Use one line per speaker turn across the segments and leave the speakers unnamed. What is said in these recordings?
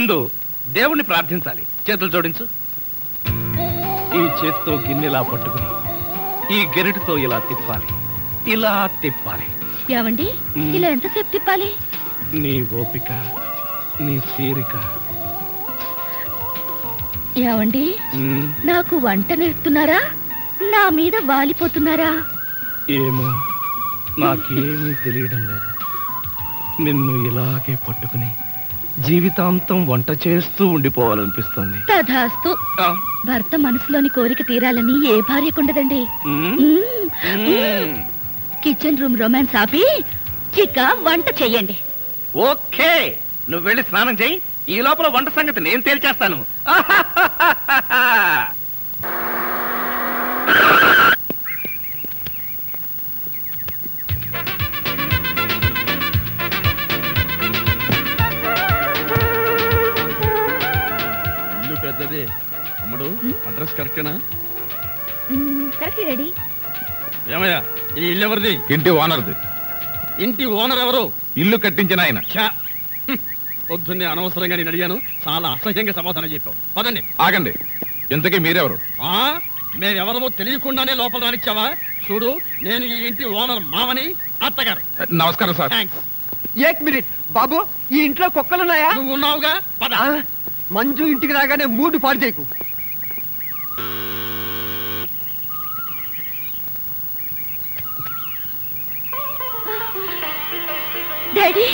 ముందు దేవుణ్ణి ప్రార్థించాలి. చేతులు జోడించు. ఈ చేత్తో గిన్నెలా పట్టుకుని ఈ గెరిటితో ఇలా తిప్పాలి, ఇలా తిప్పాలి.
ఏమండి ఇలా ఎంతసేపు తిప్పాలి?
నీ ఓపిక, నీ తీరిక.
ఏమండి నాకు వంట నేర్పుతున్నారా, నా మీద వాలిపోతున్నారా?
ఏమో, నాకేమీ తెలియడం లేదు. నిన్ను ఇలాగే పట్టుకుని జీవితాంతం వంట చేస్తూ ఉండిపోవాలనిపిస్తుంది.
తధాస్తు. భర్త మనసులోని కోరిక తీరాలని ఏ భార్యకుండదండి. కిచెన్ రూమ్ రొమాన్స్ ఆపి చిక్క వంట చెయ్యండి.
ఓకే, నువ్వు వెళ్ళి స్నానం చెయ్యి. ఈ లోపల వంట సంగతి నేను తేల్చేస్తాను.
ఇల్లు పెద్దది. అమ్మడు, అడ్రస్ కరెక్టేనా?
Correct ready.
ఏమయ్యా, ఈ ఇల్లు ఎవరిది?
ఇంటి ఓనర్ది.
ఇంటి ఓనర్ ఎవరు?
ఇల్లు కట్టించిన ఆయన.
పొద్దున్నే అనవసరంగా నేను అడిగాను, చాలా అసహ్యంగా సమాధానం చెప్పావు. పదండి.
ఆగండి, ఇంతకీ మీరెవరు?
మేమెవరమో తెలియకుండానే లోపల రానిచ్చావా? చూడు, నేను ఈ ఇంటి ఓనర్ మామని, అత్తగారు.
నమస్కారం సార్.
థ్యాంక్స్.
ఏక్ మినిట్ బాబు, ఈ ఇంట్లో కుక్కలున్నాయా?
నువ్వు ఉన్నావుగా, పద.
మంజు ఇంటికి రాగానే మూడు పాడు చేయకు.
డాడీ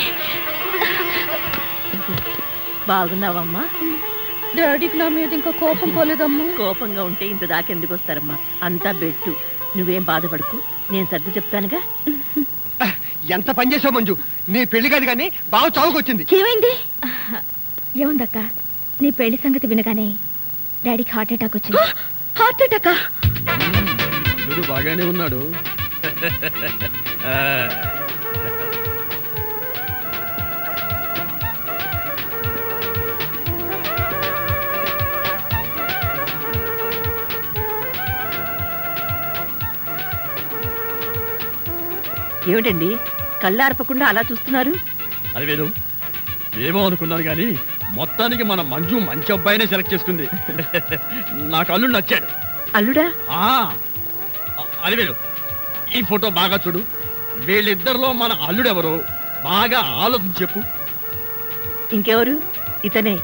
బాగున్నావమ్మా?
డాడీకి నా మీద ఇంకా కోపం పోలేదమ్మా.
కోపంగా ఉంటే ఇంత దాకెందుకు వస్తారమ్మా? అంతా బెట్టు. నువ్వేం బాధపడకు, నేను సర్ది చెప్తానుగా.
ఎంత పని చేసావు మంజు, నీ పెళ్లి కాదు కానీ బాగా చావుకొచ్చింది.
ఏమైంది? ఏముందక్క, నీ పెళ్లి సంగతి వినగానే డాడీకి హార్ట్ అటాక్ వచ్చింది. హార్ట్ అటాకా?
వీడు బాగానే ఉన్నాడు.
ఏమిటండి కళ్ళార్పకుండా అలా చూస్తున్నారు?
అది వేరు, ఏమో అనుకున్నాను కానీ మొత్తానికి మన మంజు మంచి అబ్బాయినే సెలెక్ట్ చేసుకుంది. నాకు అల్లుడు నచ్చాడు.
అల్లుడా?
అది వేరు, ఈ ఫోటో బాగా చూడు. వీళ్ళిద్దరిలో మన అల్లుడెవరో బాగా ఆలోచించి చెప్పు.
ఇంకెవరు? ఇతనే.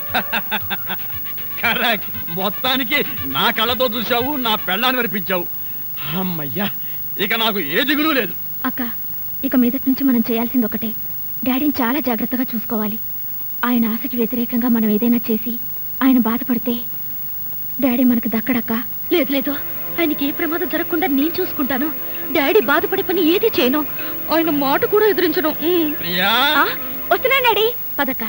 కరెక్ట్. మొత్తానికి నా కళ్ళతో చూసావు, నా పెళ్ళాన్ని వినిపించావు. అమ్మయ్యా, ఇక నాకు ఏ దిగులు లేదు.
అక్క, ఇక మీదటి నుంచి మనం చేయాల్సింది ఒకటే, డాడీని చాలా జాగ్రత్తగా చూసుకోవాలి. ఆయన ఆశకి వ్యతిరేకంగా మనం ఏదైనా చేసి ఆయన బాధపడితే డాడీ మనకు దక్కడక్క. లేదు లేదు, ఆయనకి ఏ ప్రమాదం జరగకుండా నేను చూసుకుంటాను. డాడీ బాధపడే పని ఏది చేయను, ఆయన మాట కూడా ఎదిరించను. వస్తున్నా డాడీ, పదక్క.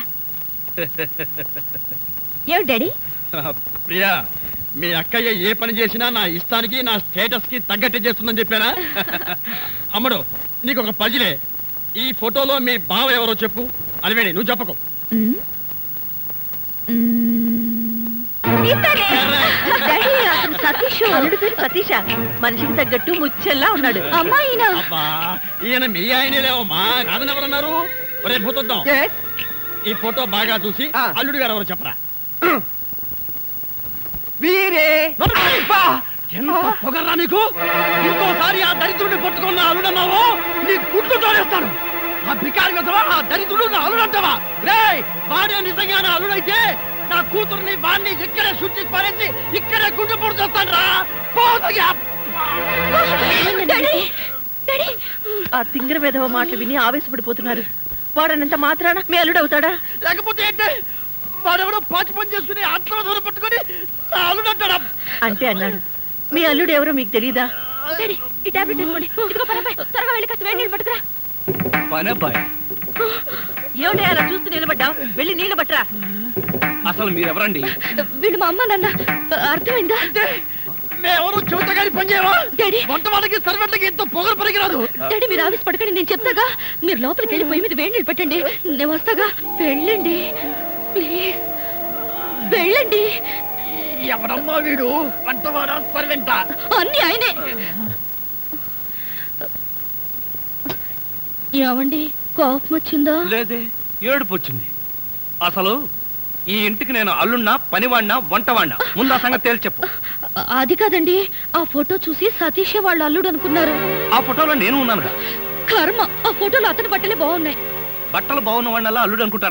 ఏమిటి డాడీ?
ప్రియా, మీ అక్కయ్య ఏ పని చేసినా నా ఇష్టానికి, నా స్టేటస్ కి తగ్గట్టే చేస్తుందని చెప్పానా? అమ్మడు, నీకు ఒక పజిలే. ఈ ఫోటోలో మీ బావ ఎవరో చెప్పు. అలివేణి, నువ్వు చెప్పకు.
సతీష, మనిషికి తగ్గట్టు ముచ్చల్లా ఉన్నాడు.
అమ్మాయినా?
ఈయన మీ ఆయనే లేవమ్మా, కాదని ఎవరన్నారు? రేపు పోతుందాం. ఈ ఫోటో బాగా చూసి అల్లుడు గారు ఎవరో చెప్పరా.
వీరే
ఎంత పొగర్రా నీకు! ఇంకోసారి ఆ దరిద్రుడిని పట్టుకున్న అల్లుడన్నావు, నీ గుడ్లు తోడేస్తాను. ఆ బికారి కదవా, ఆ దరిద్రుడు నా అల్లుడంటావా? రే, వాడే నిజంగా నా అల్లుడైతే నా కూతుర్ని వాడిని ఇక్కడే శుద్ధి పారేసి ఇక్కడే గుడ్డు పొడి చేస్తాను రా.
ఆ తింగర విధవ మాటలు విని ఆవేశపడిపోతున్నారు. వాడనంత మాత్రాన మీ అల్లుడు అవుతాడా?
లేకపోతే ఏంటి? వాడెవడో పాచి పని చేసుకుని ఆత్మ పట్టుకుని నా అల్లుడు అంటాడా?
అంటే అన్నాడు. మీ అల్లుడు ఎవరో మీకు తెలీదా?
ఈ టాబ్లెట్ తీసుకోండి. ఇదిగో పనబ్బాయి, త్వరగా వెళ్ళి కాస్త వేడి నీళ్ళు పట్టుకురా.
పనబ్బాయి?
ఏమిటి అలా చూస్తూ నిలబడ్డావు? వెళ్ళి నీళ్ళు పట్టరా.
అసలు మీరెవరండి?
వీళ్ళు మా అమ్మ నాన్న. అర్థమైందా?
మేమెవరు చెబుతగాని పని చేయవా?
డాడీ,
వంట వాళ్ళకి సర్వెంట్లకి ఎంతో పొగరు పనికిరాదు.
డాడీ మీరు ఆఫీస్ పడకండి, నేను చెప్తాగా. మీరు లోపలికి వెళ్ళి పొయ్యి మీద వేడి నీళ్ళు పెట్టండి, నేను వస్తాగా. వెళ్ళండి ప్లీజ్, వెళ్ళండి.
ఎవడమ్మా వీడు? వంటవాడా సర్వెంటా?
అన్ని ఆయనే. ఏమండి, కోపం వచ్చిందా?
లేదే, ఏడుపు వచ్చింది. అసలు ఈ ఇంటికి నేను అల్లున్నా పనివాడినా వంటవాడినా ముందు ఆ సంగతి తేల్చి చెప్పు.
అది కాదండి, ఆ ఫోటో చూసి సతీష్ వాళ్ళ అల్లుడు అనుకున్నారు.
ఆ ఫోటోలో నేను ఉన్నానుగా.
కర్మ, ఆ ఫోటోలో అతని బట్టలే బాగున్నాయి.
బట్టలు బాగున్న వాళ్ళ అల్లుడు అనుకుంటారు.